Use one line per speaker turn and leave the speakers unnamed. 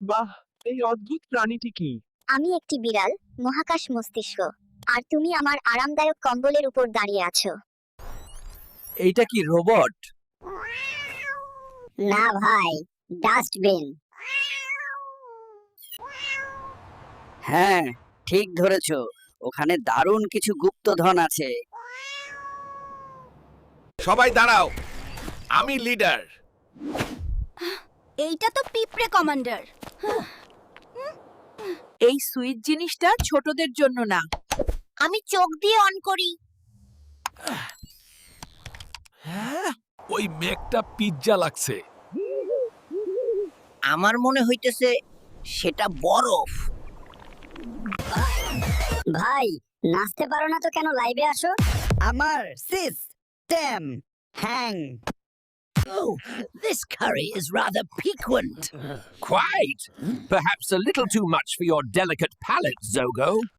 বাহ, এই অদ্ভুত প্রাণীটি কি?
আমি একটি বিড়াল, মহাকাশ মস্তিষ্ক। আর তুমি আমার আরামদায়ক কম্বলের উপর দাঁড়িয়ে আছো।
এইটা কি রোবট?
না ভাই, ডাস্টবিন।
হ্যাঁ, ঠিক ধরেছো। ওখানে দারুণ কিছু গুপ্তধন আছে।
সবাই দাঁড়াও, আমি লিডার।
এইটা তো পিঁপড়ে কমান্ডার।
এই সুইচ জিনিসটা ছোটদের জন্য না।
আমি চোখ দিয়ে অন করি।
ওই মেঘটা পিজ্জা লাগছে।
আমার মনে হইতেছে সেটা বরফ।
ভাই, নাচতে পারো না তো কেন লাইভে আসো?
আমার system hang. Oh, this curry is rather piquant.
Quite. Perhaps a little too much for your delicate palate, Zogo.